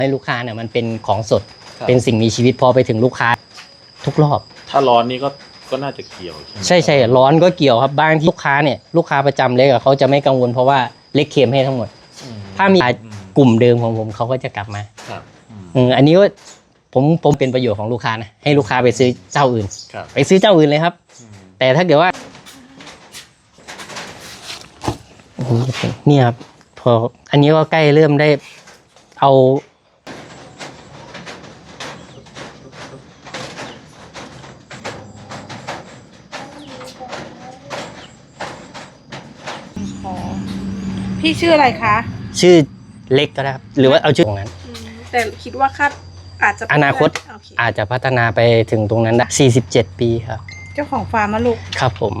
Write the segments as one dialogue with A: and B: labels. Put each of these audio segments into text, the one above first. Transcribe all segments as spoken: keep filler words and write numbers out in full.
A: ให้ลูกค้าเนี่ยมันเป็นของสดเป็นสิ่งมีชีวิตพอไปถึงลูกค้าทุกรอบ
B: ถ้าร้อนนี่ก็ก็น่าจะเกี่ยว
A: ใช่ใช่ร้อนก็เกี่ยวครับบางที่ลูกค้าเนี่ยลูกค้าประจำเล็กอะเขาจะไม่กังวลเพราะว่าเล็กเค็มให้ทั้งหมดถ้ามีกลุ่มเดิมของผมเขาก็จะกลับมาอืมอันนี้ก็ผมผมเป็นประโยชน์ของลูกค้านะให้ลูกค้าไปซื้อเจ้าอื่นไปซื้อเจ้าอื่นเลยครับแต่ถ้าเกิดว่าเนี่ยครับพออันนี้ก็ใกล้เริ่มได้เอา
C: พี่ชื่ออะไรคะ
A: ชื่อเล็กก็ได้ครับหรือว่าเอาชื่อตรงนั้น
C: แต่คิดว่าคาดอาจจะ
A: อนาคตอาจจะพัฒนาไปถึงตรงนั้นได้สี่สิบเจ็ดปีครับ
C: เจ้าของฟาร์มลูก
A: ครับผม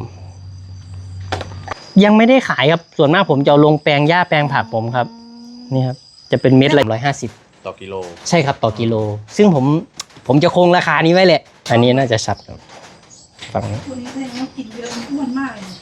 A: ยังไม่ได้ขายครับส่วนมากผมจะเอาลงแปลงหญ้าแปลงผักผมครับนี่ครับจะเป็นเม็ดละร้อยห้าสิบ
B: ต่อกิโล
A: ใช่ครับต่อกิโลซึ่งผมผมจะคงราคานี้ไว้แหละอันนี้น่าจะชัดครับฝั่งนี้
C: ตัวนี้แสดงว่ากินเยอะอ้วนมากเลย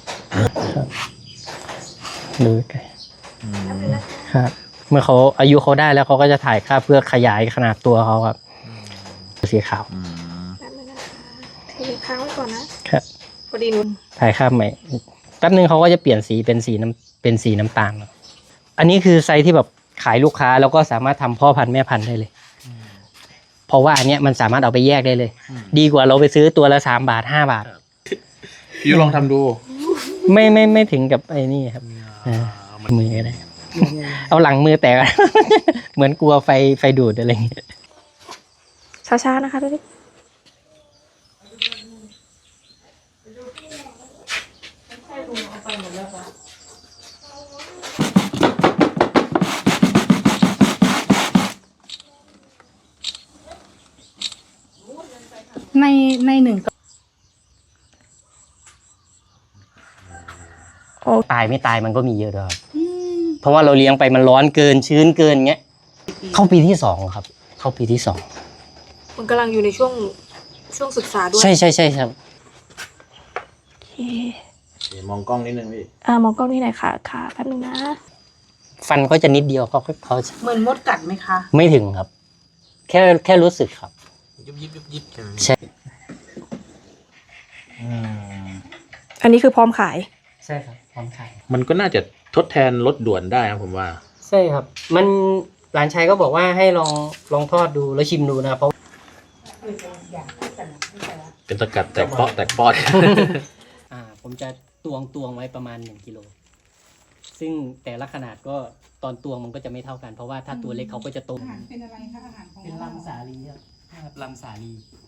A: ดูไกลครับเมื่อเขาอายุเขาได้แล้วเขาก็จะถ่ายค่าเพื่อขยายขนาดตัวเขาครับสีขาว
C: เทค้างไว้ก่อนนะครับพอดีนุ่น
A: ถ่ายค่าใหม่แป๊บนึงเขาก็จะเปลี่ยนสีเป็นสีน้ำเป็นสีน้ำตาลอันนี้คือไซส์ที่แบบขายลูกค้าแล้วก็สามารถทำพ่อพันธุ์แม่พันธุ์ได้เลยเพราะว่าอันเนี้ยมันสามารถเอาไปแยกได้เลยดีกว่าเราไปซื้อตัวละสามบาทห้าบาท
B: พี่ลองทำดู
A: ไม่ไม่ไม่ถึงกับไอ้นี่ครับมืออะไรเอาหลังมือแตกเหมือนกลัวไฟไฟดูดอะไรอย่างเงี้ย
C: ช้าๆนะคะพี่ในในหนึ่ง
A: ตายไม่ตายมันก็มีเยอะด้วยเพราะว่าเราเลี้ยงไปมันร้อนเกินชื้นเกินเงี้ยเข้าปีที่สองครับเข้าปีที่สอง
C: มันกำลังอยู่ในช่วงช่วงศึกษาด้วย
A: ใช่ใช่ใช่ครับ
C: โอเค
B: มองกล้องนิดนึงพี่
C: อ่ามองกล้องนี่หน่อยค่ะค่ะแป๊บนึงนะ
A: ฟันเขาจะนิดเดียวเขาเขา
C: เหมือนมดกัดไหมคะ
A: ไม่ถึงครับแค่แค่รู้สึกครับ
B: ยุบยิบยุบยิบ
A: ใช่
C: อันนี้คือพร้อมขาย
A: ใช่ครับพร้อมขาย
B: มันก็น่าจะทดแทนรถด่วนได้ครับผมว่า
A: ใช่ครับมันหลานชายก็บอกว่าให้ลองลองทอดดูแล้วชิมดูนะเพราะ
B: เป็นสกัดแตกเปาะแตกปอด
A: อ่าผมจะตวงตวงไว้ประมาณหนึ่งกิโลซึ่งแต่ละขนาดก็ตอนตวงมันก็จะไม่เท่ากันเพราะว่าถ้าตัวเล็กเขาก็จะโต
C: เป็นอะไรคะอาหารของ
A: เป็นลำสาลีครับลำสาลี